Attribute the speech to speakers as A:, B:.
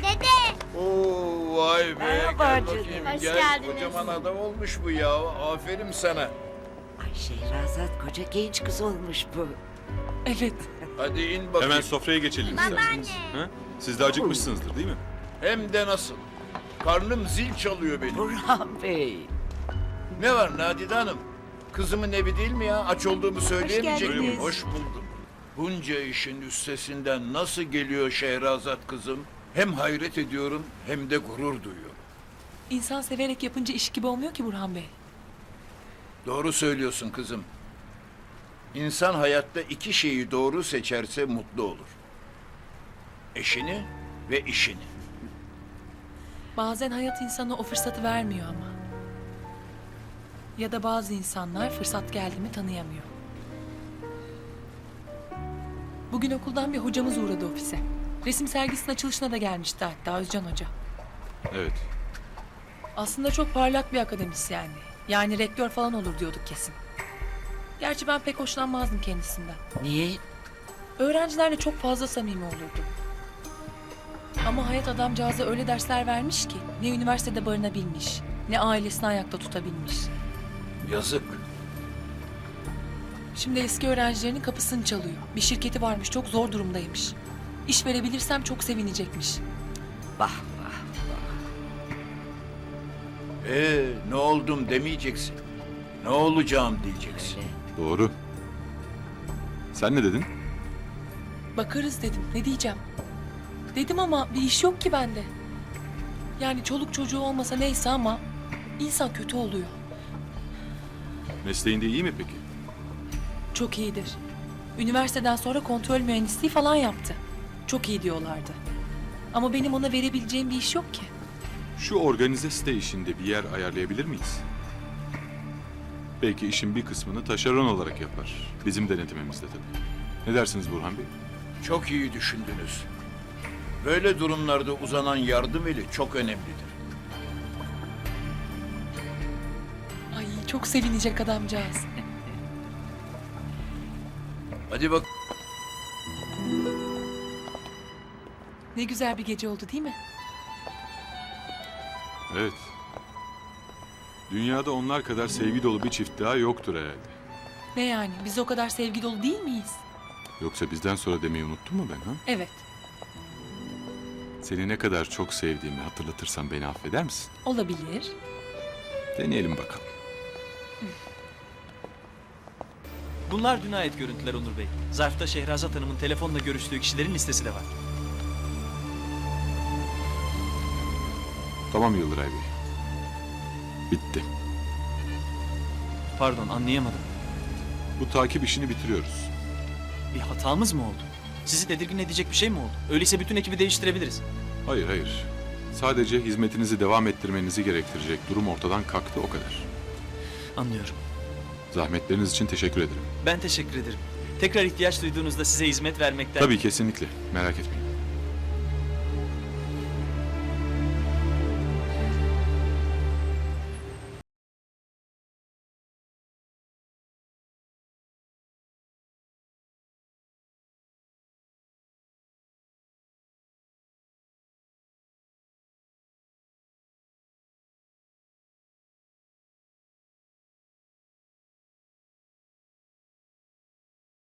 A: Dede.
B: Oo vay be.
C: Merhaba
B: Gel
C: canım.
B: bakayım,
A: Hoş
B: gel.
A: geldiniz.
B: Kocaman adam olmuş bu ya. Aferin sana.
C: Ay Şehrazat koca genç kız olmuş bu.
D: Evet.
B: Hadi in bakayım.
E: Hemen sofraya geçelim isterseniz. Ha? Siz de acıkmışsınızdır değil mi?
B: Hem de nasıl. Karnım zil çalıyor benim.
C: Burhan Bey.
B: Ne var Nadide Hanım? Kızımın evi değil mi ya? Aç olduğumu söyleyemeyecek miyim?
D: geldiniz.
B: Hoş buldum. Bunca işin üstesinden nasıl geliyor Şehrazat kızım? Hem hayret ediyorum hem de gurur duyuyorum.
D: İnsan severek yapınca iş gibi olmuyor ki Burhan Bey.
B: Doğru söylüyorsun kızım. İnsan hayatta iki şeyi doğru seçerse mutlu olur. Eşini ve işini.
D: Bazen hayat insana o fırsatı vermiyor ama. Ya da bazı insanlar fırsat geldi mi tanıyamıyor. Bugün okuldan bir hocamız uğradı ofise. Resim sergisinin açılışına da gelmişti hatta Özcan Hoca.
E: Evet.
D: Aslında çok parlak bir akademisyendi. Yani rektör falan olur diyorduk kesin. Gerçi ben pek hoşlanmazdım kendisinden.
C: Niye?
D: Öğrencilerle çok fazla samimi olurdu. Ama hayat adamcağıza öyle dersler vermiş ki ne üniversitede barınabilmiş, ne ailesini ayakta tutabilmiş.
B: Yazık.
D: Şimdi eski öğrencilerinin kapısını çalıyor. Bir şirketi varmış, çok zor durumdaymış. İş verebilirsem çok sevinecekmiş.
C: Vah vah.
B: Ne oldum demeyeceksin. Ne olacağım diyeceksin.
C: Öyle.
E: Doğru. Sen ne dedin?
D: Bakarız dedim, ne diyeceğim? Dedim ama bir iş yok ki bende. Yani çoluk çocuğu olmasa neyse ama insan kötü oluyor.
E: Mesleğinde iyi mi peki?
D: Çok iyidir. Üniversiteden sonra kontrol mühendisliği falan yaptı. Çok iyi diyorlardı. Ama benim ona verebileceğim bir iş yok ki.
E: Şu organize site işinde bir yer ayarlayabilir miyiz? Belki işin bir kısmını taşeron olarak yapar. Bizim denetimimizde tabii. Ne dersiniz Burhan Bey?
B: Çok iyi düşündünüz. Böyle durumlarda uzanan yardım eli çok önemlidir.
D: Ay çok sevinecek adamcağız.
B: Hadi bak.
D: Ne güzel bir gece oldu değil mi?
E: Evet. Dünyada onlar kadar sevgi dolu bir çift daha yoktur herhalde.
D: Ne yani biz o kadar sevgi dolu değil miyiz?
E: Yoksa bizden sonra demeyi unuttun mu ben ha?
D: Evet,
E: Seni ne kadar çok sevdiğimi hatırlatırsam beni affeder misin?
D: olabilir.
E: Deneyelim bakalım.
F: Bunlar dün ait görüntüler Onur Bey. Zarfta Şehrazat Hanım'ın telefonla görüştüğü kişilerin listesi de var.
E: Tamam Yıldıray Bey. Bitti.
F: Pardon, anlayamadım.
E: Bu takip işini bitiriyoruz.
F: Bir hatamız mı oldu? Sizi tedirgin edecek bir şey mi oldu? Öyleyse bütün ekibi değiştirebiliriz.
E: Hayır hayır. Sadece hizmetinizi devam ettirmenizi gerektirecek durum ortadan kalktı o kadar.
F: Anlıyorum.
E: Zahmetleriniz için teşekkür ederim.
F: Ben teşekkür ederim. Tekrar ihtiyaç duyduğunuzda size hizmet vermekten...
E: Tabii kesinlikle. Merak etmeyin.